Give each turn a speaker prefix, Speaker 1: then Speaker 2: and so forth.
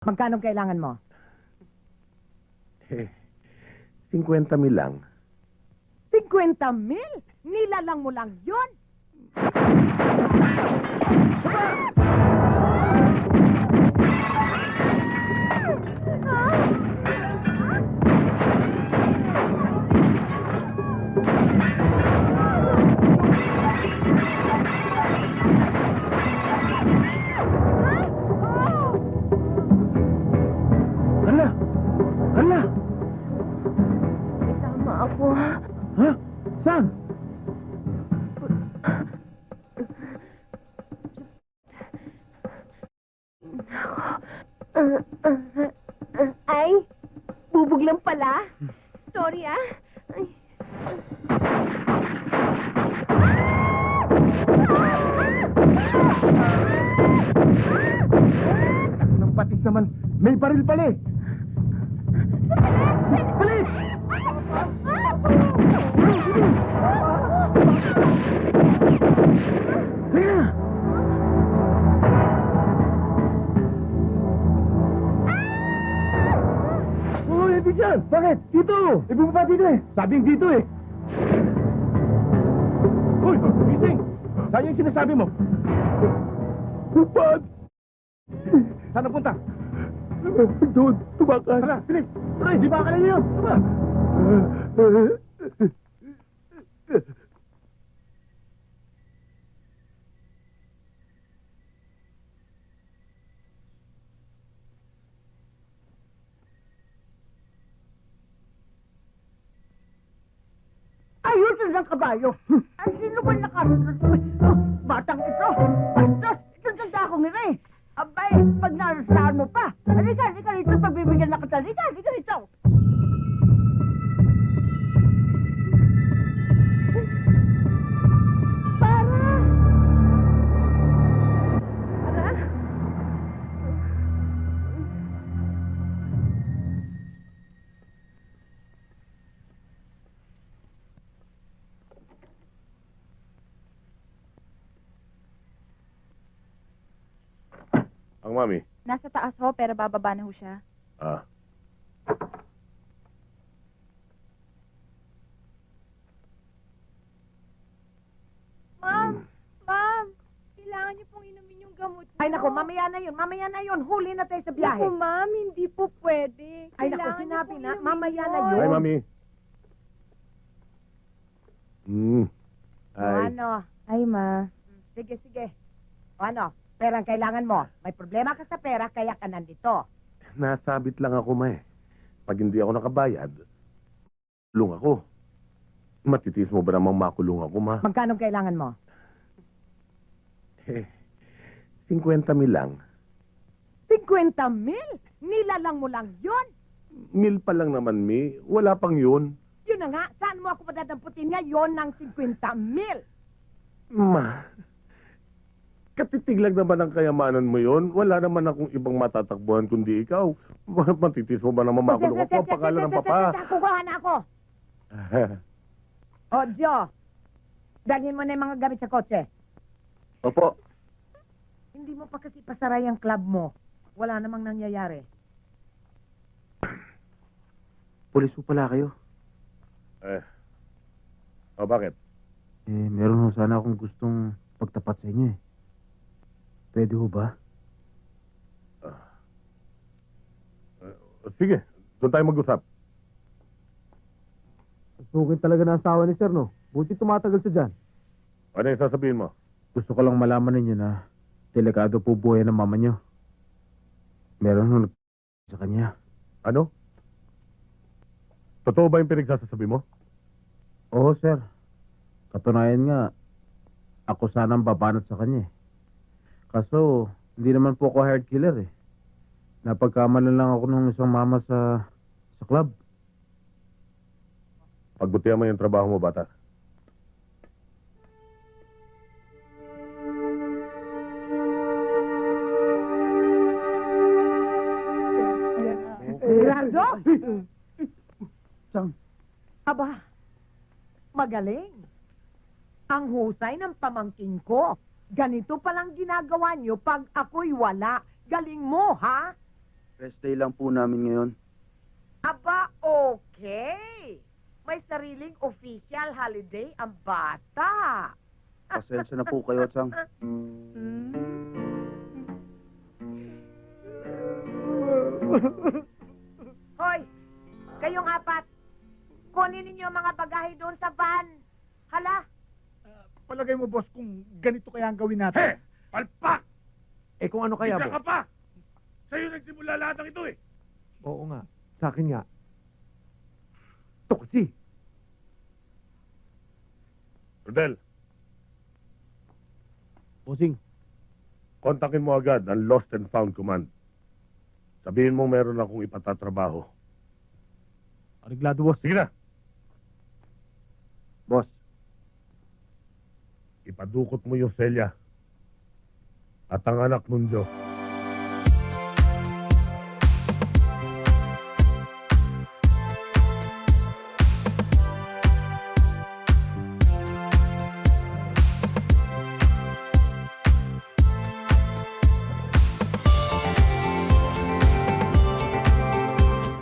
Speaker 1: Magkano kailangan mo?
Speaker 2: 50,000 lang.
Speaker 1: 50,000? Nilalang mo lang yun?
Speaker 2: Hala! Hala!
Speaker 3: May tama ako.
Speaker 2: Ha? Saan?
Speaker 3: Ay, bubog lang pala. Sorry ah. Ay.
Speaker 2: Nang patis naman, may baril pala eh! Bilis! Halika na! Oh, hindi dyan! Bakit? Dito! Ibumaba dito eh! Sabing dito eh! Hoy! Gising! Saan yung sinasabi mo? Upad! Saan napunta? Doon, tumakas. Tara, bilis! Tara, di ba ka na yun? Tama!
Speaker 1: Ayusin ng kabayo. Ay, sino ba nakasunod? Batang ito. Bastos, itong tanda ko nila eh. Abay, pag narusahan mo pa. Halika rito. Pagbibigyan na kita. Halika rito.
Speaker 2: Ang mami.
Speaker 3: Nasa taas ho, pero bababa na ho siya.
Speaker 2: Ah.
Speaker 3: Ma'am! Kailangan niyo pong inumin yung gamot niyo.
Speaker 1: Ay, naku, mamaya na yun. Huli na tayo sa biyahe.
Speaker 3: Naku, ma'am, hindi po pwede.
Speaker 1: Ay, naku,
Speaker 3: Kailangan niyo
Speaker 1: sinabi
Speaker 3: pong
Speaker 1: na.
Speaker 3: inumin
Speaker 1: Mamaya na
Speaker 3: yun.
Speaker 1: yun.
Speaker 2: Ay, mami.
Speaker 1: O
Speaker 2: Ay.
Speaker 1: ano?
Speaker 3: Ay, ma.
Speaker 1: Sige. O ano? Perang kailangan mo. May problema ka sa pera, kaya ka nandito.
Speaker 2: Nasabit lang ako, ma eh. Pag hindi ako nakabayad, kulong ako. Matitis mo ba namang makulong ako, ma?
Speaker 1: Magkano kailangan mo?
Speaker 2: 50,000 lang.
Speaker 1: 50,000? Nilalang mo lang yun?
Speaker 2: Mil pa lang naman, mi. Wala pang yun.
Speaker 1: Yun na nga, saan mo ako madadamputin ngayon ng 50,000?
Speaker 2: Ma, katitig lang naman ang kayamanan mo yon. Wala naman akong ibang matatakbuhan kundi ikaw. Matitis mo ba naman makulong ako? Ang pangalan ng papa.
Speaker 1: Kukuha na ako. O, Joe. Dalhin mo na yung mga gamit sa kotse.
Speaker 2: Opo.
Speaker 1: Hindi mo pa kasi pasaray ang club mo. Wala namang nangyayari.
Speaker 4: Pulis po pala kayo.
Speaker 2: Bakit?
Speaker 4: Meron ho sana akong gustong pagtapat sa inyo eh. Pwede ho ba?
Speaker 2: Sige, doon tayo mag-usap.
Speaker 4: Sukin talaga ng asawa ni Sir, no? Buti tumatagal siya dyan.
Speaker 2: Ano yung sasabihin mo?
Speaker 4: Gusto ko lang malaman ninyo na delikado po buhay ng mama nyo. Meron ho sa kanya.
Speaker 2: Ano? Totoo ba yung pinagsasasabi mo?
Speaker 4: Oo, Sir. Katunayan nga, ako sanang babanat sa kanya eh. Kaso, hindi naman po ako hired killer eh. Napagkamalan lang ako ng isang mama sa club.
Speaker 2: Pagbutihan mo yung trabaho mo, bata.
Speaker 1: Gerardo?
Speaker 4: Chang.
Speaker 1: Aba, magaling. Ang husay ng pamangkin ko. Ganito palang ginagawa niyo pag ako'y wala. Galing mo, ha?
Speaker 5: Rest day lang po namin ngayon.
Speaker 1: Aba, okay. May sariling official holiday ang bata.
Speaker 5: Pasensya na po kayo, Chang.
Speaker 1: Hoy, kayong apat, kunin ninyo ang mga bagahe doon sa van. Hala,
Speaker 6: Palagay mo, boss, kung ganito kaya ang gawin
Speaker 2: He!
Speaker 6: natin.
Speaker 2: Palpak!
Speaker 7: Eh kung ano kaya,
Speaker 2: Isa
Speaker 7: boss?
Speaker 2: ka pa! Sa'yo nagsimula lahat ng ito eh!
Speaker 7: Oo nga. Sa akin nga. Ito kasi.
Speaker 2: Rodel,
Speaker 7: Bossing.
Speaker 2: kontakin mo agad ang Lost and Found Command. Sabihin mo meron akong ipatatrabaho.
Speaker 7: Ariglado, boss.
Speaker 2: Sige na!
Speaker 5: Boss,
Speaker 2: Ipadukot mo yung selya at ang anak nun, Diyos.